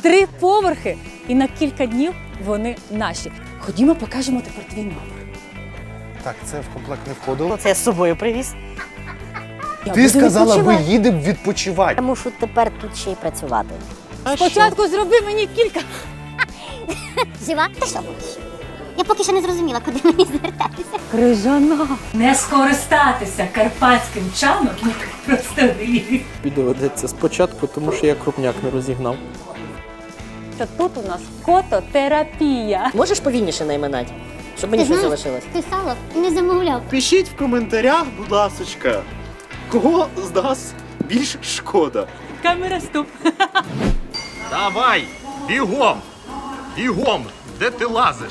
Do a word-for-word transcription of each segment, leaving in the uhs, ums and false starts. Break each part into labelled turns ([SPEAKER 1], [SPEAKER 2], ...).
[SPEAKER 1] три поверхи, і на кілька днів вони наші. Ходімо, покажемо тепер твій номер.
[SPEAKER 2] Так, це в комплект не входило.
[SPEAKER 3] Це я з собою привіз.
[SPEAKER 1] Я
[SPEAKER 2] Ти
[SPEAKER 1] буду
[SPEAKER 2] сказала, ми
[SPEAKER 1] відпочивати.
[SPEAKER 2] їдемо відпочивати.
[SPEAKER 3] Я мушу тепер тут ще й працювати.
[SPEAKER 1] Спочатку зроби мені кілька.
[SPEAKER 4] Жива? Та що будеш? Я поки що не зрозуміла, куди мені звертатися.
[SPEAKER 1] Крижана. Не скористатися карпатським чаном просто гріх.
[SPEAKER 5] Відео ведеться спочатку, тому що я крупняк не розігнав.
[SPEAKER 1] Та тут у нас кототерапія.
[SPEAKER 3] Можеш повільніше найминати, щоб мені щось залишилось?
[SPEAKER 4] Ти сало не замовляв.
[SPEAKER 6] Пишіть в коментарях, будь ласочка, кого з нас більш шкода.
[SPEAKER 1] Камера стоп.
[SPEAKER 7] Давай, бігом! Бігом! Де ти лазиш?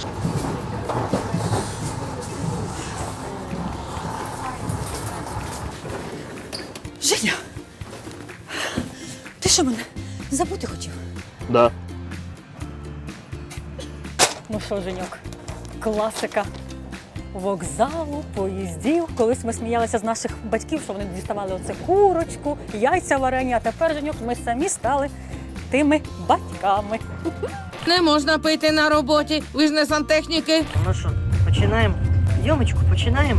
[SPEAKER 1] Женя, ти що мене забути хотів?
[SPEAKER 6] Да.
[SPEAKER 1] Ну що, Женьок, класика вокзалу, поїздів. Колись ми сміялися з наших батьків, що вони діставали оце курочку, яйця варені, а тепер, Женьок, ми самі стали тими батьками.
[SPEAKER 8] Не можна пити на роботі, ви ж не сантехніки.
[SPEAKER 3] Ну що, починаємо? Йомочку, починаємо.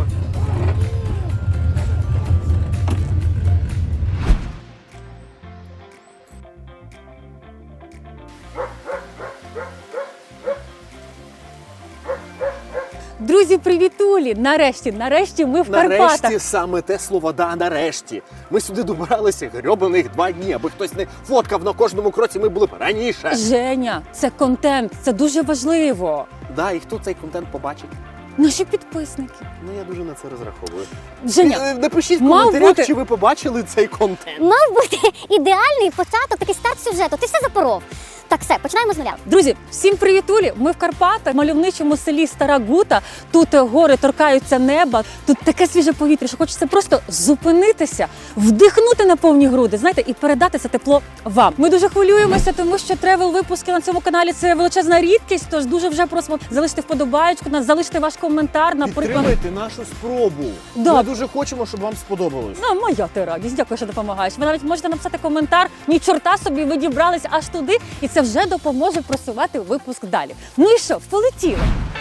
[SPEAKER 1] Друзі, привітулі! Нарешті, нарешті ми в Карпатах.
[SPEAKER 2] Нарешті саме те слово «да», нарешті. Ми сюди добиралися грьобаних два дні, аби хтось не фоткав на кожному кроці, ми були б раніше.
[SPEAKER 1] Женя, це контент, це дуже важливо.
[SPEAKER 2] Да, і хто цей контент побачить?
[SPEAKER 1] Наші підписники.
[SPEAKER 2] Ну, я дуже на це розраховую.
[SPEAKER 1] Женя,
[SPEAKER 2] Е, Напишіть в
[SPEAKER 1] мав
[SPEAKER 2] коментарях,
[SPEAKER 1] бути-
[SPEAKER 2] чи ви побачили цей контент.
[SPEAKER 4] Мав бути ідеальний початок, такий старт сюжету. Ти все запоров. Так, все, починаємо з нуля.
[SPEAKER 1] друзі, всім привітулі! Ми в Карпатах, в мальовничому селі Стара Гута. Тут е, гори торкаються неба, тут таке свіже повітря, що хочеться просто зупинитися, вдихнути на повні груди, знаєте, і передати це тепло вам. Ми дуже хвилюємося, тому що тревел-випуски на цьому каналі – це величезна рідкість, тож дуже вже просимо залишити вподобаєчку, нас залишити ваш коментар, наприклад.
[SPEAKER 2] Підтримайте нашу спробу.
[SPEAKER 1] Да.
[SPEAKER 2] Ми дуже хочемо, щоб вам сподобалось.
[SPEAKER 1] Ну, моя ти радість, дякую, що допомагаєш. Ви навіть можете написати коментар, ні чорта собі, ви дібрались аж туди, і це вже допоможе просувати випуск далі. Ну і що, полетіли?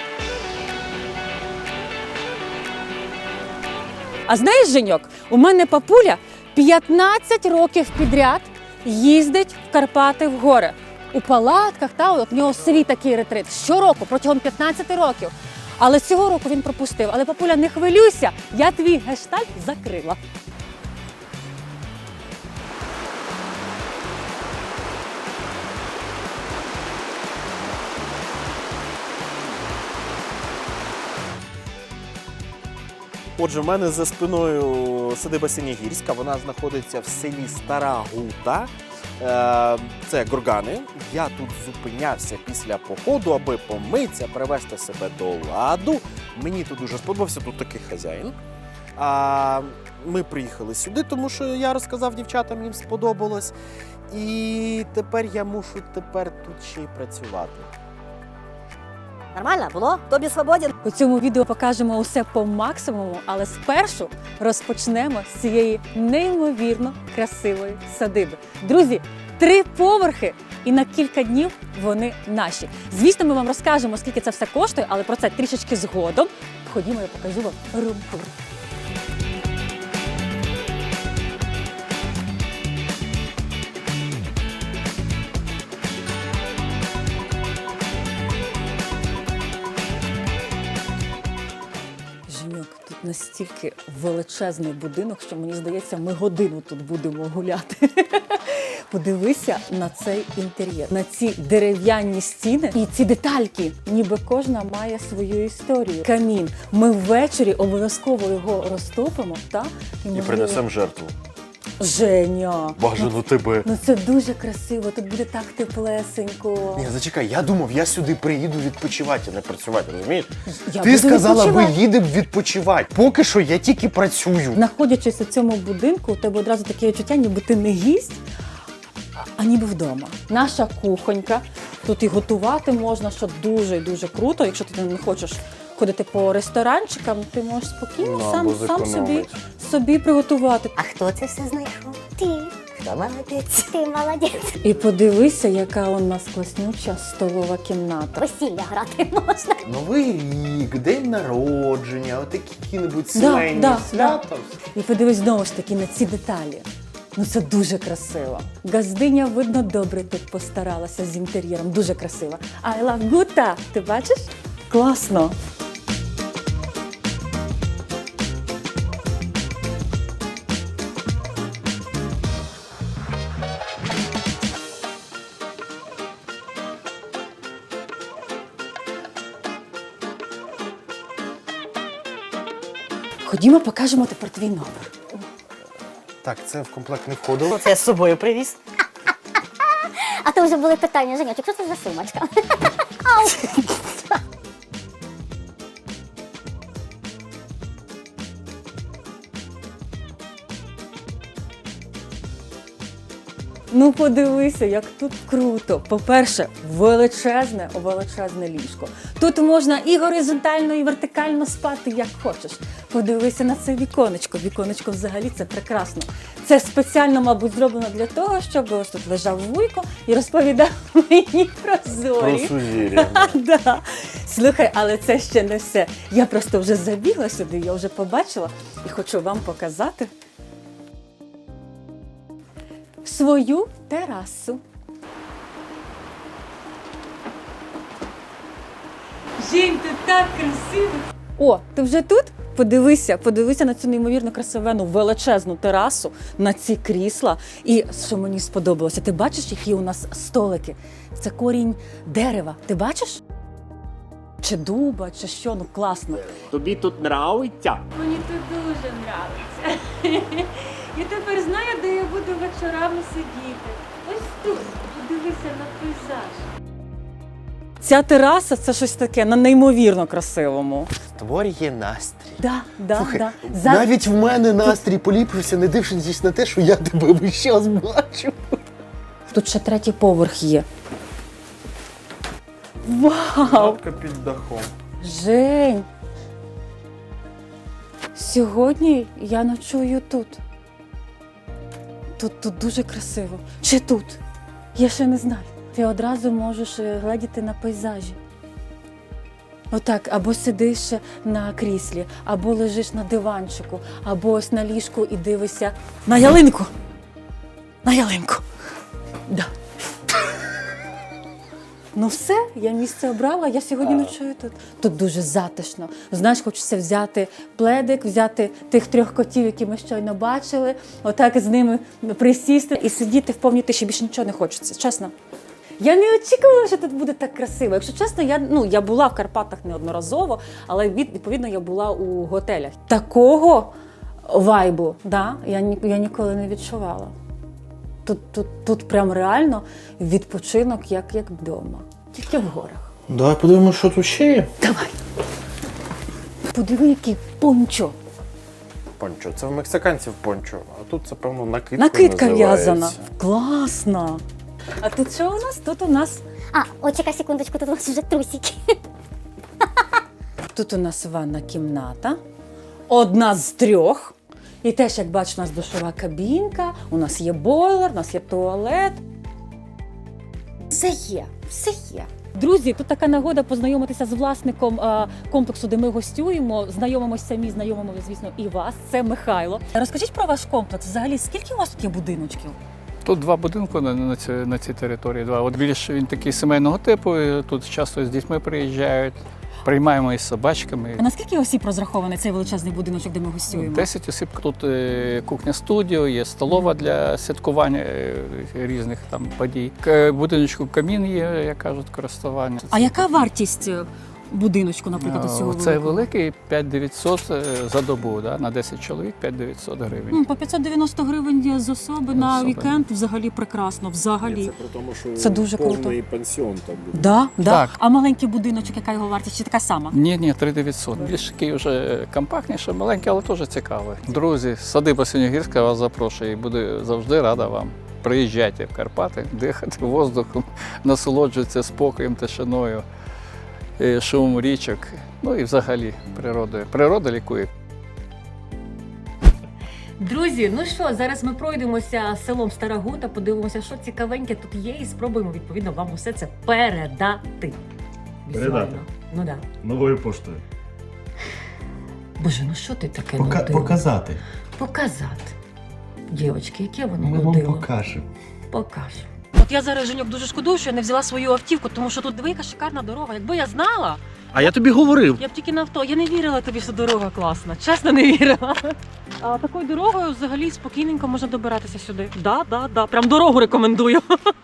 [SPEAKER 1] А знаєш, Женьок, у мене папуля п'ятнадцять років підряд їздить в Карпати в гори. У палатках, та, от в нього в селі такий ретрит. Щороку, протягом п'ятнадцяти років. Але цього року він пропустив. Але, папуля, не хвилюйся, я твій гештальт закрила.
[SPEAKER 2] Отже, в мене за спиною садиба Синягірська, вона знаходиться в селі Стара Гута. Е, Це Горгани. Я тут зупинявся після походу, аби помитися, привести себе до ладу. Мені тут дуже сподобався, тут такий хазяїн. А ми приїхали сюди, тому що я розказав дівчатам, їм сподобалось. І тепер я мушу тепер тут ще й працювати.
[SPEAKER 3] Нормально було? Тобі свободен?
[SPEAKER 1] У цьому відео покажемо усе по максимуму, але спершу розпочнемо з цієї неймовірно красивої садиби. Друзі, три поверхи і на кілька днів вони наші. Звісно, ми вам розкажемо, скільки це все коштує, але про це трішечки згодом. Ходімо, я покажу вам рум-тур. Женьок, тут настільки величезний будинок, що мені здається, ми годину тут будемо гуляти. Подивися на цей інтер'єр, на ці дерев'яні стіни і ці детальки, ніби кожна має свою історію. Камін. Ми ввечері обов'язково його розтопимо, та?
[SPEAKER 2] І
[SPEAKER 1] можливо-
[SPEAKER 2] принесемо жертву.
[SPEAKER 1] Женя!
[SPEAKER 2] Бажано тебе.
[SPEAKER 1] Ну це дуже красиво, тут буде так теплесенько.
[SPEAKER 2] Ні, зачекай, я думав, я сюди приїду відпочивати, а не працювати, розумієш?
[SPEAKER 1] Я
[SPEAKER 2] Ти
[SPEAKER 1] буду
[SPEAKER 2] сказала,
[SPEAKER 1] відпочивати.
[SPEAKER 2] ми їдемо відпочивати. Поки що я тільки працюю.
[SPEAKER 1] Знаходячись у цьому будинку, у тебе одразу таке відчуття, ніби ти не гість, а ніби вдома. Наша кухонька, тут і готувати можна, що дуже і дуже круто. Якщо ти не хочеш ходити по ресторанчикам, ти можеш спокійно
[SPEAKER 2] Ну,
[SPEAKER 1] сам,
[SPEAKER 2] або
[SPEAKER 1] сам собі,
[SPEAKER 2] зекономить.
[SPEAKER 1] собі приготувати.
[SPEAKER 3] А хто це все знайшов?
[SPEAKER 4] Ти.
[SPEAKER 3] Молодець.
[SPEAKER 4] Ти молодець.
[SPEAKER 1] І подивися, яка у нас класнюча столова кімната.
[SPEAKER 4] Весілля грати можна.
[SPEAKER 6] Новий рік, день народження, отакі які-небудь
[SPEAKER 1] Да,
[SPEAKER 6] сімейні
[SPEAKER 1] да,
[SPEAKER 6] свята.
[SPEAKER 1] І подивись знову ж таки на ці деталі. Ну це дуже красиво. Газдиня, видно, добре тут постаралася з інтер'єром. Дуже красиво. I love Guta. Ти бачиш? Класно. Ходімо, покажемо тепер твій номер.
[SPEAKER 6] Так, це в комплект не входило.
[SPEAKER 3] Це я з собою привіз.
[SPEAKER 4] А то вже були питання, Женьочок, що це за сумочка? Ау!
[SPEAKER 1] Ну подивися, як тут круто. По-перше, величезне, величезне ліжко. Тут можна і горизонтально, і вертикально спати, як хочеш. Подивися на це віконечко. Віконечко взагалі це прекрасно. Це спеціально, мабуть, зроблено для того, щоб ось тут лежав вуйко і розповідав мені про зорі.
[SPEAKER 6] Про сузір'я.
[SPEAKER 1] Да. Слухай, але це ще не все. Я просто вже забігла сюди, я вже побачила і хочу вам показати свою терасу. Жень, ти так красиво! О, ти вже тут? Подивися, подивися на цю неймовірно красивену величезну терасу, на ці крісла. І що мені сподобалося, ти бачиш, які у нас столики? Це корінь дерева. Ти бачиш? Чи дуба, чи що, ну класно.
[SPEAKER 6] Тобі тут нравиться?
[SPEAKER 1] Мені тут дуже подобається. Я тепер знаю, де я буду вечорами сидіти. Ось тут. Подивися на пейзаж. Ця тераса це щось таке на неймовірно красивому.
[SPEAKER 6] Створює настрій.
[SPEAKER 1] Да, да,
[SPEAKER 6] Слухай,
[SPEAKER 1] да. За...
[SPEAKER 6] навіть в мене настрій поліпшився, не дивлячись на те, що я тебе весь час бачу.
[SPEAKER 1] Тут ще третій поверх є. Вау!
[SPEAKER 5] Лавка під дахом.
[SPEAKER 1] Жень! Сьогодні я ночую тут. Тут, тут дуже красиво. Чи тут? Я ще не знаю. Ти одразу можеш е, гледіти на пейзажі. Отак, або сидиш на кріслі, або лежиш на диванчику, або ось на ліжку і дивишся на ялинку. На ялинку. Да. Ну все, я місце обрала, я сьогодні ночую тут. Тут дуже затишно. Знаєш, хочеться взяти пледик, взяти тих трьох котів, які ми щойно бачили, отак з ними присісти і сидіти в повній тиші. Більше нічого не хочеться, чесно. Я не очікувала, що тут буде так красиво. Якщо чесно, я, ну, я була в Карпатах неодноразово, але від, відповідно я була у готелях. Такого вайбу, да, я, ні- я ніколи не відчувала. Тут, тут, тут прям реально відпочинок, як, як вдома. Тільки в горах.
[SPEAKER 5] Давай подивимося, що тут ще є.
[SPEAKER 1] Давай. Подиви, який пончо.
[SPEAKER 6] Пончо, це в мексиканців пончо, а тут це, певно, накидка
[SPEAKER 1] Накидка
[SPEAKER 6] називається.
[SPEAKER 1] в'язана. Класно. А тут що у нас? Тут у нас
[SPEAKER 4] А, от чекай секундочку, тут у нас вже трусики.
[SPEAKER 1] Тут у нас ванна кімната. Одна з трьох. І теж, як бачиш, у нас душова кабінка, у нас є бойлер, у нас є туалет. Все є, все є. Друзі, тут така нагода познайомитися з власником е, комплексу, де ми гостюємо. Знайомимося самі, знайомимо, звісно, і вас. Це Михайло. Розкажіть про ваш комплекс. Взагалі, скільки у вас тут є будиночків?
[SPEAKER 9] Тут два будинки на, на, цій, на цій території. Два. От більш він такий сімейного типу. І тут часто з дітьми приїжджають. Приймаємо із собачками.
[SPEAKER 1] А наскільки осіб розрахований цей величезний будиночок, де ми гостюємо?
[SPEAKER 9] Десять осіб. Тут е, кухня-студіо, є столова для святкування е, різних там подій. К будиночку камін є, як кажуть, користування.
[SPEAKER 1] А яка вартість е, будиночку, наприклад, у цього
[SPEAKER 9] Це
[SPEAKER 1] великого?
[SPEAKER 9] великий п'ять дев'ятсот за добу, да? На десять чоловік п'ять дев'ятсот гривень.
[SPEAKER 1] М, По п'ятсот дев'яносто гривень з особи на
[SPEAKER 9] Особи.
[SPEAKER 1] вікенд взагалі прекрасно, взагалі.
[SPEAKER 2] Це при тому, що
[SPEAKER 1] Це дуже круто.
[SPEAKER 2] повний пансіон там буде.
[SPEAKER 1] Да, да.
[SPEAKER 9] Так.
[SPEAKER 1] А маленький будиночок, яка його вартість, чи така сама?
[SPEAKER 9] Ні, ні, три дев'ятсот. Більш такий вже компактніше, маленький, але теж цікавий. Друзі, садиба Синьогірська вас запрошує і буде завжди рада вам. Приїжджайте в Карпати, дихати воздухом, насолоджуйтеся спокоєм, тишиною, е, шумом річок, ну і взагалі природою. Природа лікує.
[SPEAKER 1] Друзі, ну що, зараз ми пройдемося селом Стара Гута, подивимося, що цікавеньке тут є, і спробуємо відповідно вам усе це передати.
[SPEAKER 7] Передати?
[SPEAKER 1] Візуально. Ну так. Да.
[SPEAKER 7] Новою поштою.
[SPEAKER 1] Боже, ну що ти таке
[SPEAKER 6] Пока-
[SPEAKER 1] нудила?
[SPEAKER 6] показати.
[SPEAKER 1] Показати. Дівочки, яке воно
[SPEAKER 6] Ми вам
[SPEAKER 1] нудило?
[SPEAKER 6] покажемо.
[SPEAKER 1] Покажу. От я зараз, Женьок, дуже шкодую, що я не взяла свою автівку, тому що тут диви, яка шикарна дорога. Якби я знала,
[SPEAKER 6] А я тобі говорив.
[SPEAKER 1] я б тільки на авто. Я не вірила тобі, що дорога класна. Чесно, не вірила. А такою дорогою взагалі спокійненько можна добиратися сюди. Да, да, да. Прям дорогу рекомендую.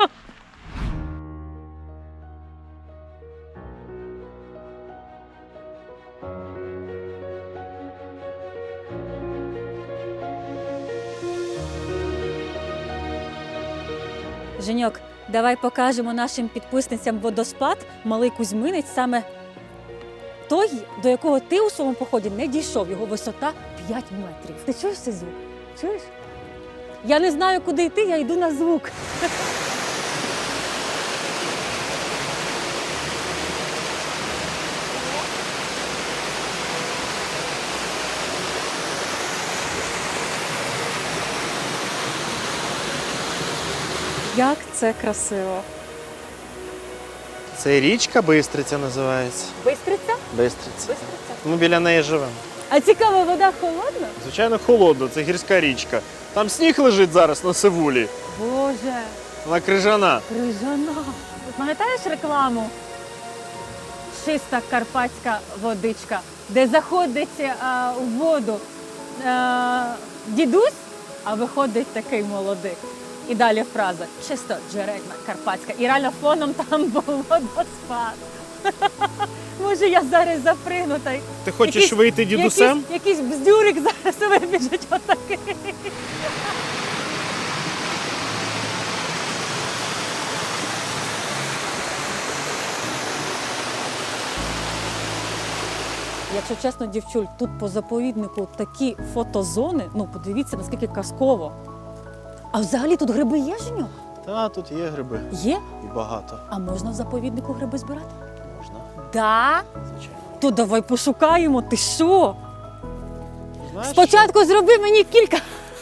[SPEAKER 1] Женьок, давай покажемо нашим підписницям водоспад Малий Кузьминець, саме той, до якого ти у своєму поході не дійшов. Його висота п'ять метрів. Ти чуєш цей звук? Чуєш? Я не знаю, куди йти, я йду на звук. Як це красиво.
[SPEAKER 2] Це річка Бистриця називається.
[SPEAKER 1] Бистриця?
[SPEAKER 2] Бистриця.
[SPEAKER 1] Бистриця.
[SPEAKER 2] Ми біля неї живемо.
[SPEAKER 1] А цікаво, вода холодна?
[SPEAKER 2] Звичайно, холодно, це гірська річка. Там сніг лежить зараз на Сивулі.
[SPEAKER 1] Боже,
[SPEAKER 2] Вона крижана.
[SPEAKER 1] крижана. Пам'ятаєш рекламу? Чиста карпатська водичка, де заходить а, у воду а, дідусь, а виходить такий молодик. І далі фраза чисто джерельна карпатська. І реально фоном там був водоспад. Може, я зараз запригну та й
[SPEAKER 2] Ти хочеш
[SPEAKER 1] якийсь-
[SPEAKER 2] вийти дідусем?
[SPEAKER 1] Якийсь, якийсь бздюрик зараз вибіжить отакий. Якщо чесно, дівчуль, тут по заповіднику такі фотозони, ну подивіться, наскільки казково. А взагалі тут гриби є, Женьок?
[SPEAKER 2] Та, тут є гриби.
[SPEAKER 1] Є?
[SPEAKER 2] І багато.
[SPEAKER 1] А можна в заповіднику гриби збирати?
[SPEAKER 2] Можна,
[SPEAKER 1] Да?
[SPEAKER 2] звичайно.
[SPEAKER 1] То давай пошукаємо, ти що?
[SPEAKER 2] Знаєш,
[SPEAKER 1] Спочатку зроби мені кілька.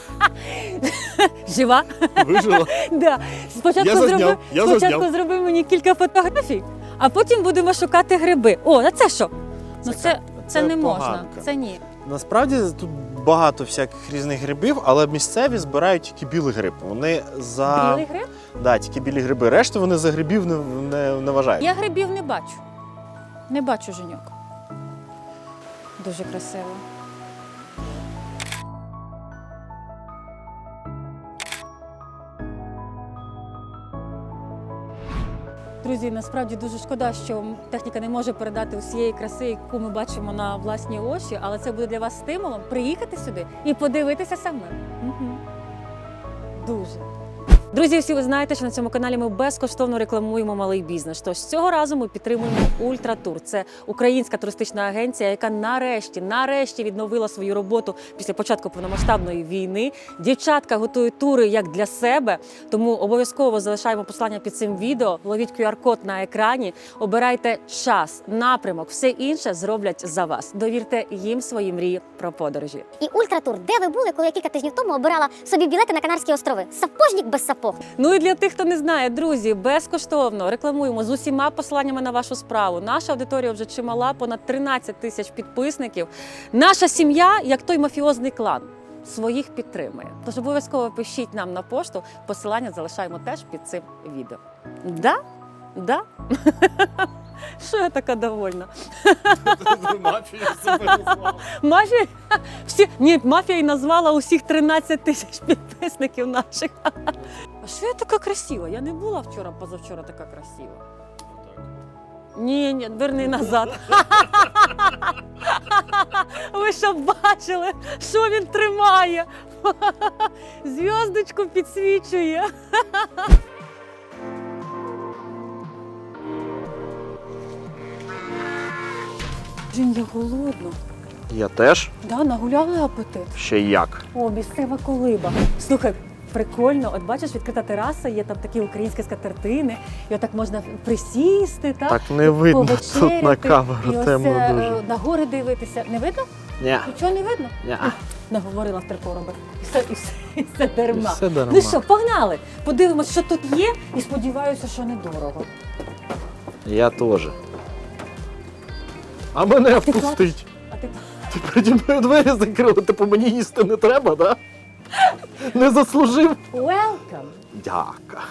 [SPEAKER 1] Жива?
[SPEAKER 2] що? Вижила.
[SPEAKER 1] Да. Спочатку,
[SPEAKER 2] Я зазняв,
[SPEAKER 1] зроби,
[SPEAKER 2] я
[SPEAKER 1] спочатку
[SPEAKER 2] зазняв.
[SPEAKER 1] зроби мені кілька фотографій, а потім будемо шукати гриби. О, а це що? Ну
[SPEAKER 2] Це
[SPEAKER 1] це,
[SPEAKER 2] ка-
[SPEAKER 1] це,
[SPEAKER 2] це
[SPEAKER 1] не можна.
[SPEAKER 2] поганка.
[SPEAKER 1] Це ні.
[SPEAKER 2] Насправді тут багато всяких різних грибів, але місцеві збирають тільки білий гриб. Вони за
[SPEAKER 1] Білий гриб?
[SPEAKER 2] Да, тільки білі гриби. Решту вони за грибів не, не, не вважають.
[SPEAKER 1] Я грибів не бачу. Не бачу, Женьок. Дуже красиво. Друзі, насправді дуже шкода, що техніка не може передати усієї краси, яку ми бачимо на власні очі, але це буде для вас стимулом приїхати сюди і подивитися самим. Угу. Дуже. Друзі, всі ви знаєте, що на цьому каналі ми безкоштовно рекламуємо малий бізнес. Тож цього разу ми підтримуємо Ультратур. Це українська туристична агенція, яка нарешті, нарешті відновила свою роботу після початку повномасштабної війни. Дівчатка готують тури як для себе, тому обов'язково залишаємо послання під цим відео. Ловіть ку ар код на екрані, обирайте час, напрямок, все інше зроблять за вас. Довірте їм свої мрії про подорожі.
[SPEAKER 4] І Ультратур, де ви були, коли я кілька тижнів тому обирала собі білети на Канарські острови? Сапожник без сапог.
[SPEAKER 1] Ну і для тих, хто не знає, друзі, безкоштовно рекламуємо з усіма посиланнями на вашу справу. Наша аудиторія вже чимала, понад тринадцять тисяч підписників. Наша сім'я, як той мафіозний клан, своїх підтримує. Тож обов'язково пишіть нам на пошту, посилання залишаємо теж під цим відео. Да? Да? Що я така довольна?
[SPEAKER 2] Мафія себе назвала.
[SPEAKER 1] Мафія? Всі... Ні, мафія і назвала усіх тринадцять тисяч підписників наших. А що я така красива? Я не була вчора, позавчора така красива. Ні, ні, верни назад. Ви що бачили, що він тримає? Зв'язочку підсвічує. Жінь, я голодна.
[SPEAKER 2] Я теж.
[SPEAKER 1] Да, нагуляли апетит.
[SPEAKER 2] Ще як.
[SPEAKER 1] О, місцева колиба. Слухай, прикольно. От бачиш, відкрита тераса, є там такі українські скатертини, і отак можна присісти, так?
[SPEAKER 2] Так не видно тут на
[SPEAKER 1] повечеряти,
[SPEAKER 2] камеру,
[SPEAKER 1] і ось
[SPEAKER 2] темно
[SPEAKER 1] е,
[SPEAKER 2] дуже.
[SPEAKER 1] на гори дивитися. Не видно?
[SPEAKER 2] Ні,
[SPEAKER 1] Нічого не видно?
[SPEAKER 2] ні.
[SPEAKER 1] наговорила в три короби. І все, і все, і все дарма.
[SPEAKER 5] І все дарма.
[SPEAKER 1] Ну що, погнали! Подивимось, що тут є, і сподіваюся, що недорого.
[SPEAKER 2] Я теж.
[SPEAKER 6] А мене
[SPEAKER 1] Ти
[SPEAKER 6] впустить.
[SPEAKER 1] А ти
[SPEAKER 6] Ти переді мною двері закрила, типу мені їсти не треба, да? Не заслужив.
[SPEAKER 1] welcome!
[SPEAKER 6] Дяка.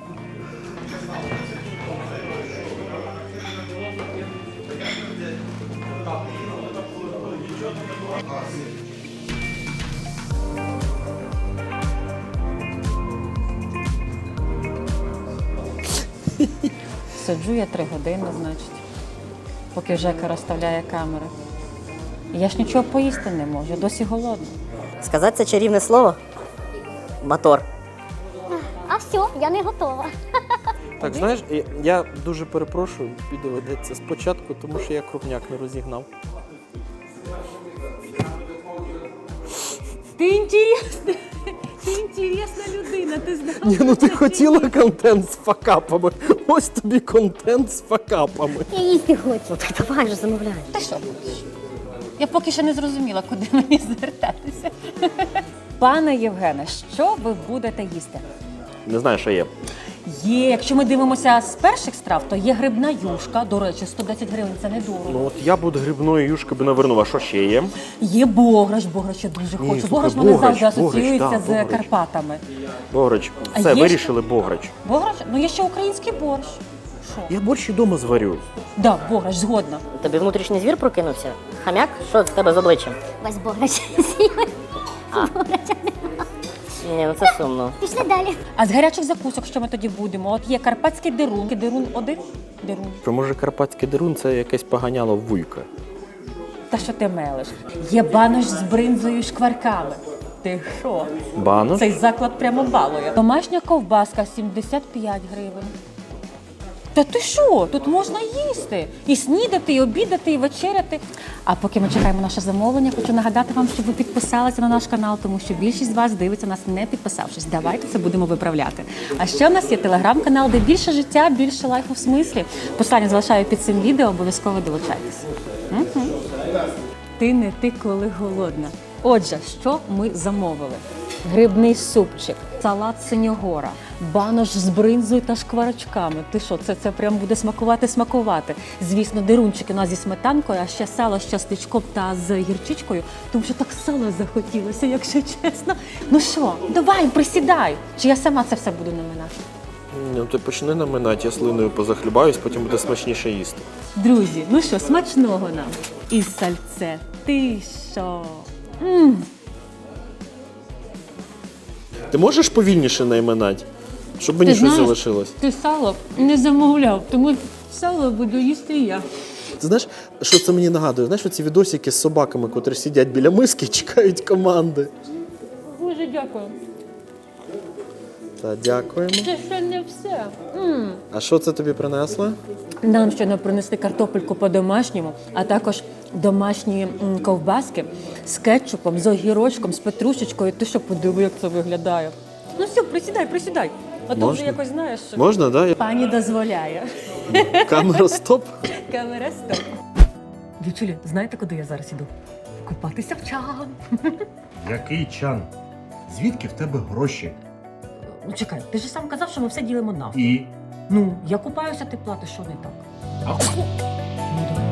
[SPEAKER 1] Сиджу я три години, значить, поки Жека розставляє камери. Я ж нічого поїсти не можу, я досі голодна.
[SPEAKER 3] Сказати це чарівне слово? Мотор.
[SPEAKER 4] А все, я не готова.
[SPEAKER 2] Так, знаєш, я- я дуже перепрошую, тобі доведеться спочатку, тому що я крупняк не розігнав.
[SPEAKER 1] Ти інтересна, ти інтересна людина, ти знаєш.
[SPEAKER 2] Ні, ну ти хотіла контент з факапами. Ось тобі контент з факапами.
[SPEAKER 4] Я їсти хочу.
[SPEAKER 3] Ну так давай же замовляй.
[SPEAKER 1] Ти що хочеш? Я поки що не зрозуміла, куди мені звертатися. Пане Євгене, що ви будете їсти?
[SPEAKER 2] Не знаю, що є.
[SPEAKER 1] Є, якщо ми дивимося з перших страв, то є грибна юшка, до речі, сто десять гривень, це недорого.
[SPEAKER 2] Ну от я буду грибної юшки би навернув, а що ще є?
[SPEAKER 1] Є бограч, бограч я дуже
[SPEAKER 2] Ні,
[SPEAKER 1] хочу.
[SPEAKER 2] слухай,
[SPEAKER 1] Бограч мене
[SPEAKER 2] бограч,
[SPEAKER 1] завжди
[SPEAKER 2] бограч,
[SPEAKER 1] асоціюється
[SPEAKER 2] да,
[SPEAKER 1] з
[SPEAKER 2] бограч.
[SPEAKER 1] Карпатами.
[SPEAKER 2] Бограч.
[SPEAKER 1] А
[SPEAKER 2] Все,
[SPEAKER 1] є
[SPEAKER 2] вирішили бограч.
[SPEAKER 1] Бограч? Ну є ще український борщ. Що?
[SPEAKER 2] Я борщ і дома зварю.
[SPEAKER 1] Да, бограч, згодна.
[SPEAKER 3] Тобі внутрішній звір прокинувся? Хам'як? Що в тебе з обличчям?
[SPEAKER 4] Весь бограч з'їли.
[SPEAKER 3] Ні, ну це сумно.
[SPEAKER 4] Пішли далі.
[SPEAKER 1] А з гарячих закусок, що ми тоді будемо? От є карпатський дерун. Дерун один? Дерун.
[SPEAKER 2] Що, може, карпатський дерун це якесь поганяло вуйка?
[SPEAKER 1] Та що ти мелиш? Є банош з бринзою і шкварками. Ти що?
[SPEAKER 2] Банош?
[SPEAKER 1] Цей заклад прямо балує. Домашня ковбаска сімдесят п'ять гривень. Та ти що? Тут можна їсти. І снідати, і обідати, і вечеряти. А поки ми чекаємо наше замовлення, хочу нагадати вам, щоб ви підписалися на наш канал, тому що більшість з вас дивиться нас не підписавшись. Давайте це будемо виправляти. А ще в нас є телеграм-канал, де більше життя, більше лайфу в смислі. Посилання залишаю під цим відео, обов'язково долучайтесь. Угу. Ти не ти, коли голодна. Отже, що ми замовили? Грибний супчик, салат синьогора, банош з бринзою та шкварочками. Ти що, це, це прям буде смакувати-смакувати. Звісно, дерунчики у нас зі сметанкою, а ще сало з частичком та з гірчичкою, тому що так сало захотілося, якщо чесно. Ну що, давай, присідай. Чи я сама це все буду наминати?
[SPEAKER 2] Ну ти почни наминати, я слиною позахлюбаюсь, потім буде смачніше їсти.
[SPEAKER 1] Друзі, ну що, смачного нам. І сальце. Ти що? М.
[SPEAKER 2] Ти можеш повільніше найминати? Щоб мені
[SPEAKER 1] Ти
[SPEAKER 2] щось
[SPEAKER 1] знаєш,
[SPEAKER 2] залишилось.
[SPEAKER 1] Ти сало не замовляв, тому сало буду їсти я.
[SPEAKER 2] Ти знаєш, що це мені нагадує? Знаєш, оці відосики з собаками, котрі сидять біля миски і чекають команди.
[SPEAKER 1] Дуже дякую.
[SPEAKER 2] Та дякуємо.
[SPEAKER 1] Це ще не все. М.
[SPEAKER 2] А що це тобі принесли?
[SPEAKER 1] Нам ще не принесли картопельку по-домашньому, а також домашні м, ковбаски з кетчупом, з огірочком, з петрушечкою. Ти що, подиви, як це виглядає. Ну все, присідай, присідай. А то вже
[SPEAKER 2] Можна?
[SPEAKER 1] якось знаєш. що
[SPEAKER 2] Можна, так?
[SPEAKER 1] Пані дозволяє.
[SPEAKER 2] Да? Камера стоп.
[SPEAKER 1] Камера стоп. Дівчулі, знаєте, куди я зараз іду? Купатися в чан.
[SPEAKER 7] Який чан? Звідки в тебе гроші?
[SPEAKER 1] Ну чекай, ти ж сам казав, що ми все ділимо навпіл.
[SPEAKER 7] І
[SPEAKER 1] Ну, я купаюся, ти платиш, що не так.
[SPEAKER 7] А
[SPEAKER 1] Ну, давай.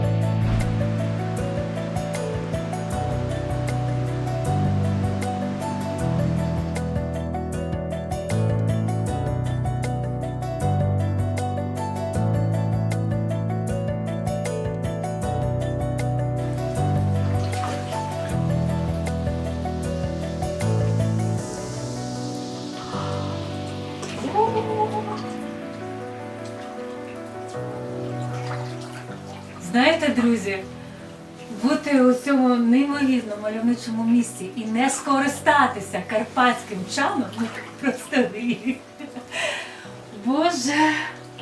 [SPEAKER 1] Знаєте, друзі, бути у цьому неймовірно мальовничому місці і не скористатися карпатським чаном, ну просто гріх. Боже.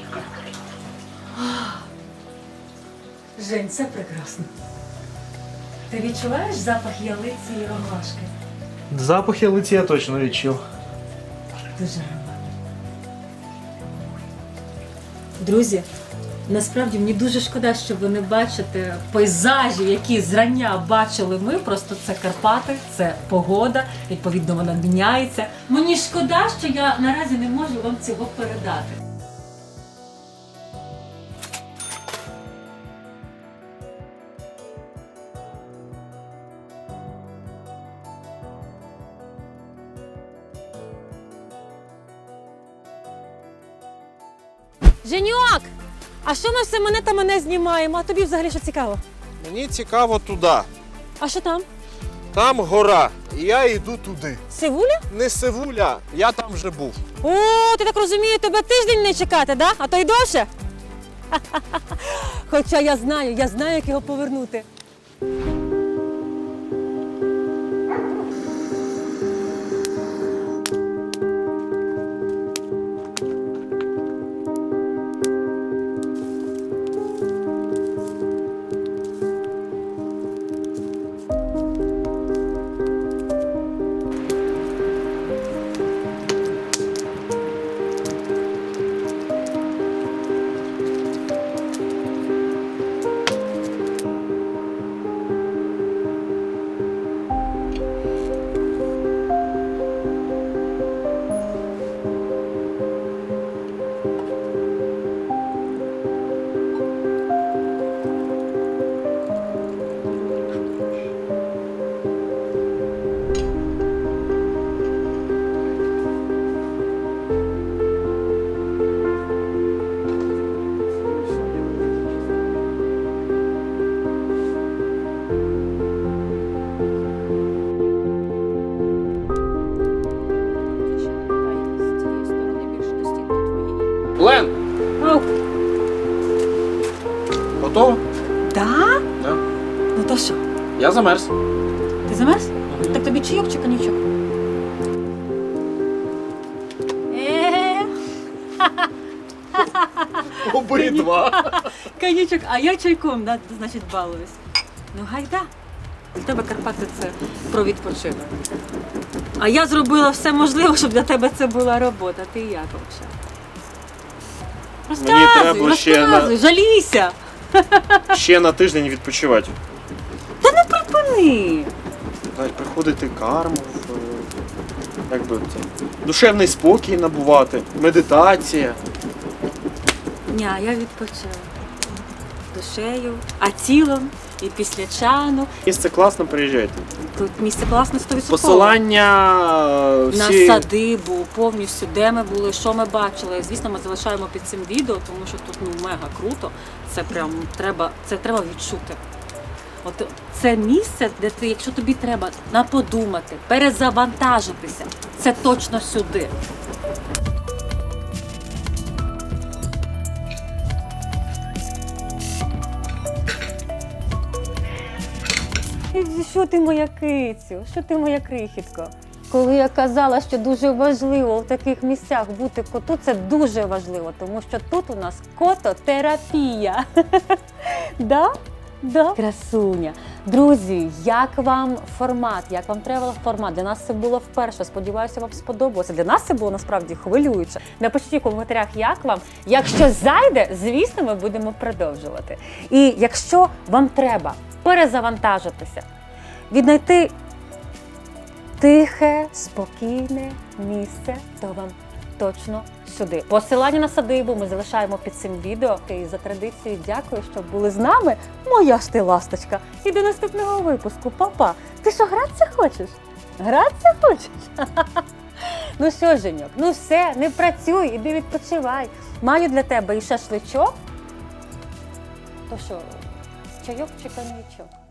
[SPEAKER 1] Жень, це прекрасно. Ти відчуваєш запах ялиці і ромашки?
[SPEAKER 6] Запах ялиці я точно відчув.
[SPEAKER 1] Дуже гарно. Друзі, Насправді мені дуже шкода, що ви не бачите пейзажів, які зрання бачили ми. Просто це Карпати, це погода, відповідно вона міняється. Мені шкода, що я наразі не можу вам цього передати. Женьок! А що ми все мене та мене знімаємо? А тобі взагалі що цікаво?
[SPEAKER 2] Мені цікаво туди.
[SPEAKER 1] А що там?
[SPEAKER 2] Там гора, і я йду туди.
[SPEAKER 1] Сивуля?
[SPEAKER 2] Не Севуля, я там вже був.
[SPEAKER 1] О, ти так розумію, тебе тиждень не чекати, да? А то й довше? Хоча я знаю, я знаю, як його повернути.
[SPEAKER 6] Лен,
[SPEAKER 1] Ау.
[SPEAKER 6] готово?
[SPEAKER 1] Да?
[SPEAKER 6] Да.
[SPEAKER 1] Ну то що?
[SPEAKER 6] Я замерз.
[SPEAKER 1] Ти замерз? Так тобі чайок чи коньячок? Е,
[SPEAKER 6] Обидва.
[SPEAKER 1] коньячок, а я чайком, да, значить, балуюсь. Ну гайда. Для тебе Карпати це про відпочинок. А я зробила все можливе, щоб для тебе це була робота. Ти як взагалі?
[SPEAKER 6] Мені
[SPEAKER 1] Розказуй,
[SPEAKER 6] треба ще на-
[SPEAKER 1] розказуй, жалійся.
[SPEAKER 6] Ще на тиждень відпочивати.
[SPEAKER 1] Припини.
[SPEAKER 6] Навіть приходити карму, е, як би це, душевний спокій набувати, медитація.
[SPEAKER 1] Ні, я відпочила. Душею, а тілом і після чану.
[SPEAKER 6] Місце класно, приїжджайте.
[SPEAKER 1] Тут місце класне сто відсотків.
[SPEAKER 6] Посилання е,
[SPEAKER 1] На
[SPEAKER 6] всі...
[SPEAKER 1] садибу, повністю, де ми були, що ми бачили. Звісно, ми залишаємо під цим відео, тому що тут ну мега круто. Це прям треба, це треба відчути. От це місце, де ти, якщо тобі треба наподумати, перезавантажитися, це точно сюди. Що ти моя кицю? Що ти моя крихітко? Коли я казала, що дуже важливо в таких місцях бути коту, це дуже важливо, тому що тут у нас кототерапія. Да? Да? Красуня. Друзі, як вам формат, як вам тревел-формат? Для нас це було вперше, сподіваюся, вам сподобалося. Для нас це було насправді хвилююче. Напишіть у коментарях, як вам. Якщо зайде, звісно, ми будемо продовжувати. І якщо вам треба перезавантажитися, віднайти тихе, спокійне місце, то вам точно сюди. Посилання на садибу ми залишаємо під цим відео. І за традицією дякую, що були з нами. Моя ж ти ласточка. І до наступного випуску. Па-па. Ти що, гратися хочеш? Гратися хочеш? Ну що, Женьок, ну все, не працюй, іди відпочивай. Маю для тебе і шашличок. То що, чайок чи коньячок?